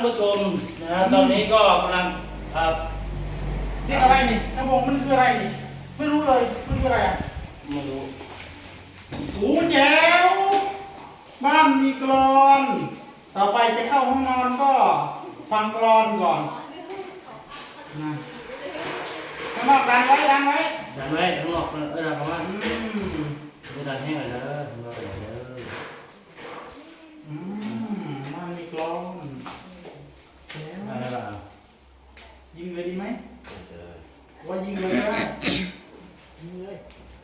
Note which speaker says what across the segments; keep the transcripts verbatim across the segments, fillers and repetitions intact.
Speaker 1: ผู้ชมนะตอนนี้ก็กำลังครับ
Speaker 2: ที่อะไรนี่น้ำบงมันคืออะไรนี่ไม่รู้เลยมันคืออะไรอ่ะ
Speaker 1: มาดู
Speaker 2: โอ้แจ๋วบ้านมีกลอนต่อไปจะเข้าห้องนอนก็ฟังกลอนก่อนนะข้างนอกดันไว้ดันไว้
Speaker 1: ดันไว้ข้างนอกเออดันเข้ามา
Speaker 2: อืม
Speaker 1: ไม่ดันให้หน่อยเด้อข้างนอกเด้อ
Speaker 2: อืมบ้านมีกลอนแจ๋ว
Speaker 1: อะไรล่ะ
Speaker 2: ยิงเลยดีไหมว่ายิงเลยก็ได้ยิงเลย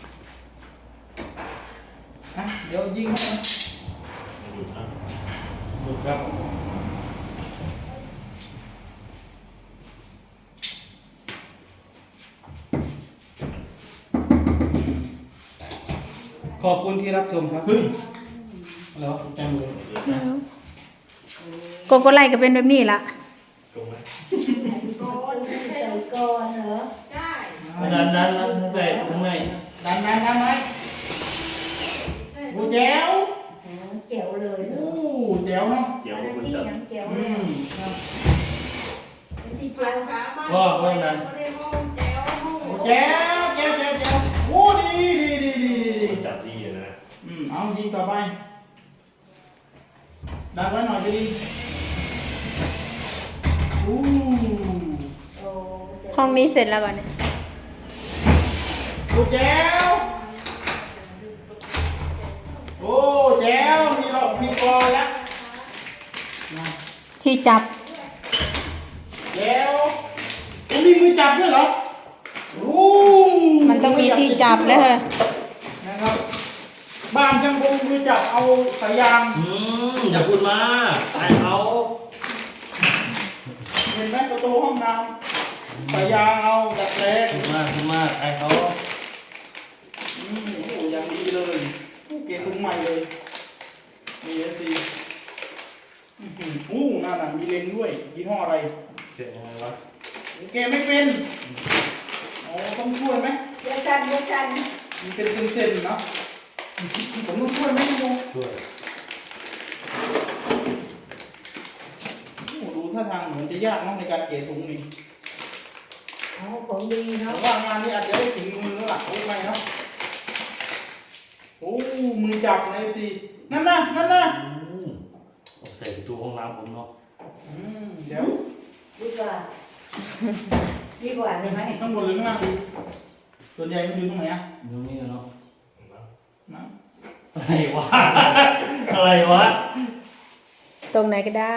Speaker 2: ฮะเดี๋ยวยิงให้นะ
Speaker 1: ดูครับ
Speaker 2: ขอบคุณที่รับชมครับเฮ้ยอะไรวะตกใจหมดเลย
Speaker 3: โกโกไลก็เป็นแบบนี้ละ
Speaker 4: โกนใส่ก่อนเหรอได้
Speaker 1: ดันดันดันแต่ข้างใน
Speaker 2: ดันดันดันไหมกูแจ๋ว
Speaker 4: เจ๋วเลยเหร
Speaker 2: โอ้
Speaker 4: อ
Speaker 2: แจ๋วเนาะ
Speaker 5: เจียว
Speaker 4: อัน
Speaker 5: คุณ
Speaker 4: นี้
Speaker 5: จัด
Speaker 4: น้ำเจ๋ว
Speaker 2: อื
Speaker 4: เลย
Speaker 2: มครับ
Speaker 4: เป็นสีเจ๋ว
Speaker 1: ก็เพื่อนดัน
Speaker 2: โอ้แจ๋วแจ๋วแจ๋วแจ๋วโอ้ดีดีดีดีดี
Speaker 5: คุณจัดดีนะ
Speaker 2: อืมเอายิงต่อไปดันไว้หน่อยจะดีโอ้
Speaker 4: โอ้เจ๋ว
Speaker 3: ห้องนี้เสร็จแล้วก่อนเนี่ย
Speaker 2: โอ้แจ๋วโอ้แจ๋วมีหลอกมีกลอนแล้วนะ
Speaker 3: ที่จับ
Speaker 2: แจ๋วมันมีมือจับด้วยเหรอโอ้
Speaker 3: มันต้องมีที่จับแล้วเหรอ
Speaker 2: นะครับบ้านช่างคงมือจับเอาสายยาง
Speaker 1: อืมอย่าพูดมาไอ้เขา
Speaker 2: เห็นไหมประตูห้องน้ำสายยางเอาดัดแปลง
Speaker 1: พูดมากพูดมากไอ้เขา
Speaker 2: อืมโอ้ยังดีเลยโอเคถุงใหม่เลยมีเอสซีโอ้หน้าหนังมีเลนส์ด้วยยี่ห้ออะไร
Speaker 1: เสียงยังไงวะ
Speaker 2: โอเคไม่เป็นอ๋อต้องช่วยไหม
Speaker 4: เดี๋ยวสั่นเดี๋ยวสั่น
Speaker 2: มันเป็นเส้นๆเนาะผมต้องช่วยไหมคุณลุง
Speaker 1: ช่วย
Speaker 2: โอ้ดูท่าทางเหมือนจะยากเนาะในการเกะถุงนี่
Speaker 4: เอาของดี
Speaker 2: แต่
Speaker 4: เนาะ
Speaker 2: ว่างานนี้อาจจะได้ถึงมือแล้วล่ะโอ้ไม่เนาะโอ้มือจับในเอฟซีนั่นนะนั่นนะ
Speaker 1: อืมใส่ประตูห้องน้ำผมเนาะ
Speaker 2: อืมเดี๋ยว
Speaker 4: ดีกว่าดีกว่าใช่ไหม
Speaker 2: ข้างบนหรือข้างล่างดีส่วนใหญ่มันอยู่ตรงไหนอะ
Speaker 1: ตรงนี้เนาะ
Speaker 2: นะ
Speaker 1: อะไรวะ อะไรวะ
Speaker 3: ตรงไหนก็ได้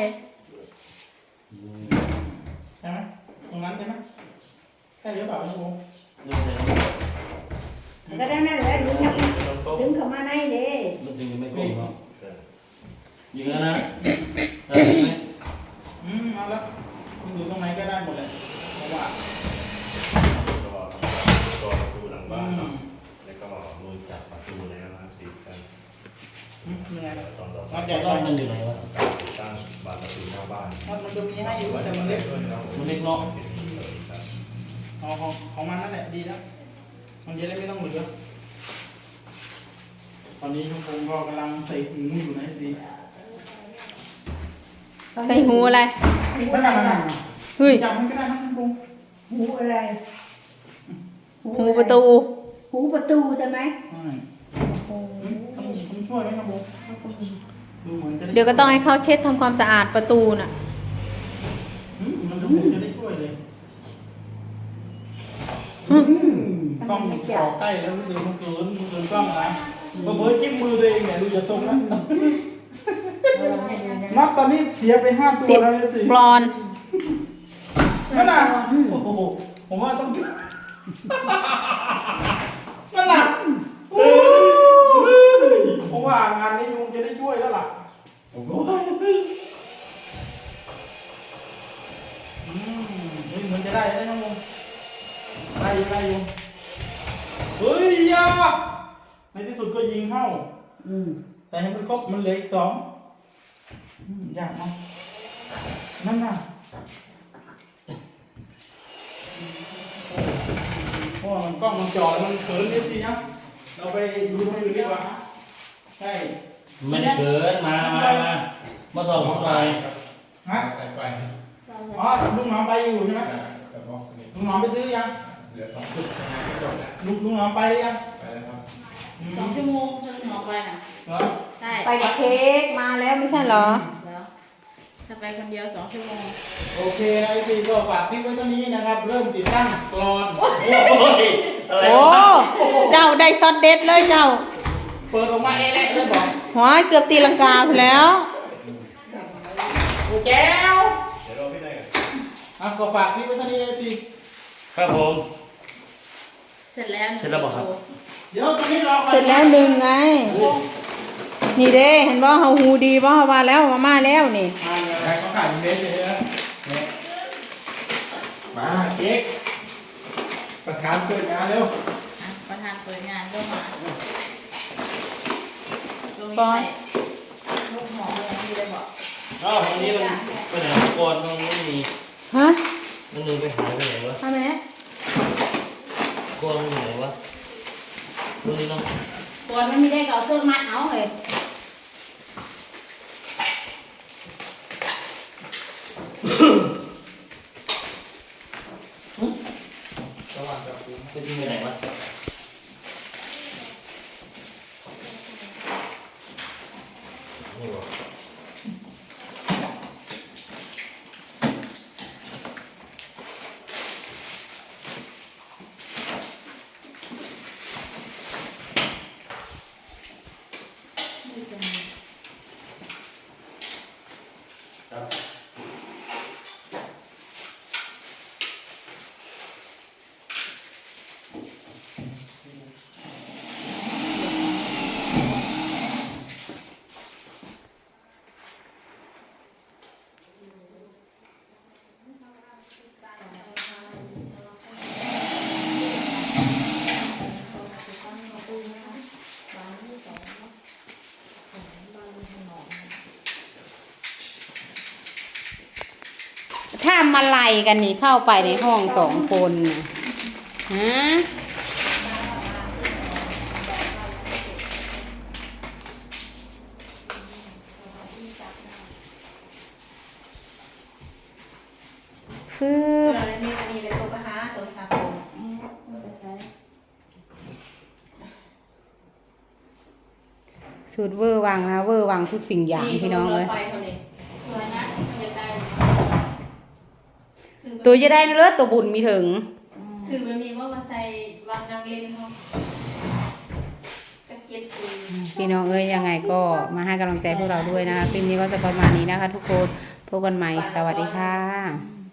Speaker 2: ใช่ไหมตรงนั้นใช่ไหมใช่หรือเปล่าครับผม
Speaker 1: เรื่องอะไร
Speaker 4: ก็ได้นั่นแหละดึงดึงเข้ามาในเด้
Speaker 1: มันถึงจะไม่โกงเนาะยิงแล้วนะได้ไหม
Speaker 2: อืมเอาละมันอยู่ตรงไหนก็ได้หมดเลยเพราะว่า
Speaker 5: ก็ตัวประตูหลัง
Speaker 2: อื
Speaker 5: บ้าน
Speaker 2: ม
Speaker 5: เนาะแล้วก็มือจับประตูเลยนะครับสีกัน
Speaker 2: อืมยังไงล่ะ
Speaker 5: ตอนต่อไป
Speaker 2: นอก
Speaker 1: แต่
Speaker 2: จาก
Speaker 1: รอบมันอยู่ไหนวะ
Speaker 5: การติดตั้งบานประตูหน้าบ้าน
Speaker 2: มันจะมีให้อยู่แต่มันเล็ก
Speaker 5: ด้วยนะครับ
Speaker 1: มันเล็กเนาะ
Speaker 2: ของของของมันนั่นแหละดีแล้วมันจะได้ไม่ต้องเหลือตอนนี้ชมพงก็กำลังใส่หูอยู่นะดี
Speaker 3: ใส่หูอะไร
Speaker 2: ไม่นานไม่นาน
Speaker 3: เฮ้ย
Speaker 2: จับมันก็ได้นะชมพง
Speaker 4: หูอะไร
Speaker 3: หูประตู
Speaker 4: หูประตูใช่ไหม
Speaker 2: ใช่ต้องต้องช่วยไหมชมพงดูเหมือนจะ
Speaker 3: เดี๋ยวก็ต้องให้เขาเช็ดทำความสะอาดประตูน่ะ
Speaker 2: อืมมันชมพงจะได้ช่วยเลยกล้องจ่อใกล้แล้วรู้สึกมันเกินมันเกินกล้องนะเบอร์จิ้มมือตัวเองเนี่ยดูจะตรงนะ
Speaker 4: เราให้ดูนะ
Speaker 2: นับตอนนี้เสียไปห้าตัว
Speaker 3: ติด
Speaker 2: แล้วสิ
Speaker 3: กรอน
Speaker 2: นั่นน่ะโอ้โหผมว่าต้องนั่นน่ะโอ้ยผมว่างานนี้คงจะได้ช่วยแล้วล่ะ
Speaker 1: ผมก็ว่า
Speaker 2: อืมเฮ้ยเหมือนจะได้ได้น้องมงได้อยู่ได้อยู่เฮ้ยยาในที่สุดก็ยิงเข้า
Speaker 4: อืม
Speaker 2: แต่ให้มันครบมันเหลืออีกสองอืมยากเนาะนั่นน่ะเพราะว่ามันกล้องมันจ่อแล้วมันเขินนิดทีนะเราไปดูตรงอื่นดีกว่าใช่
Speaker 1: ไม่ได้เกินมามามามาสอบผมหน่อย
Speaker 2: ฮะ
Speaker 5: ไก่
Speaker 6: ายไป
Speaker 2: อ๋อลุงหนอมไปอยู่ใช่ไหม
Speaker 6: แต่บอกสนิท
Speaker 2: ลุงหนอมไปซื้อยัง
Speaker 6: เหลือสองชุดนะก็จบแล้ว
Speaker 2: ลุงลุงหนอมไปหรือยัง
Speaker 6: ไปแล้วครับ
Speaker 7: สองชั่วโมงจนหมอไปน่ะ
Speaker 2: เหรอ
Speaker 7: ใช่
Speaker 3: ไปกับเค้กมาแล้วไม่ใช่เหรอ
Speaker 7: แล้วถ้าไปคนเดียวสองชั่วโมง
Speaker 2: โอเคนะไอซีก็ฝากคลิปไว้เท่านี้นะครับ เริ่มติดตั้งกรอน
Speaker 1: โอ้ยอะไร
Speaker 3: โอ้
Speaker 1: วะ
Speaker 3: เจ้าได้ซอสเด็ดเลยเจ้า
Speaker 2: เปิดออกมาเอะแหละเลยบอก
Speaker 3: หัวเกือบตีลังกาไปแล้ว
Speaker 2: โอ้แจ๋ว
Speaker 5: เดี๋ยวเราพี่ได้กัน
Speaker 2: อ่ะก็ฝากคลิปไว้เท่านี้ไอซี
Speaker 1: ครับผม
Speaker 7: เสร็จแล้ว
Speaker 1: เสร็จแล้วบอกครับ
Speaker 2: เดี๋ยวตอนนี้รอก่อน
Speaker 3: เสร็จแล้วหนึ่งไง นี่เด้เห็นว่าเฮาฮูดีว่าเฮามาแล้วมามาแล้วนี่
Speaker 2: อ่า
Speaker 6: ใครเขาขายเป็นเมตรเลยนะเนี่ยมาเค้กประธานเปิดงานเร็ว
Speaker 7: อ่ะประธานเปิดงานก็มาตรงนี้
Speaker 3: ก่อน
Speaker 7: ใส่ลูกหอมเลยที่ได้บอก
Speaker 1: อ้าววันนี้มันไปไหนก่อนมันไม่มี
Speaker 3: ฮะ
Speaker 1: มันนึงไปหายไปไหนวะ
Speaker 3: ทำไม
Speaker 1: ก่อนมันอยู่ไหนวะดูนี่เนาะ
Speaker 7: ก่อนมันไม่ได้ก็เอาเสื้อมัดเอาเลย
Speaker 6: ระหว่างจับปู
Speaker 1: จะยิงไปไหนวะ
Speaker 3: ถ้ามาไล่กันนี่เข้าไปในห้องสองคนน่ะฮะฟืบ
Speaker 7: อะไรนี่อันนี้เลยโทรกระหาโทรศัพท์ผมไปใช้
Speaker 3: สูตรเวอร์วังนะเวอร์วังทุกสิ่งอย่างพี่น้องเลย
Speaker 7: ไฟคนนี้สวยนะเดี๋ยวได้ซื้อ
Speaker 3: ตัวจะได้เลือดตัวบุญมีถึง
Speaker 7: ซื้อแบบนี้ว่ามาใส่วางนางเล่นเขาจะเก็บซื้อ
Speaker 3: พี่น้องเอ้ยยังไงก็มาให้กำลังใจพวกเราด้วยนะคะคลิปนี้ก็จะประมาณนี้นะคะทุกคนพบกันใหม่สวัสดีค่ะ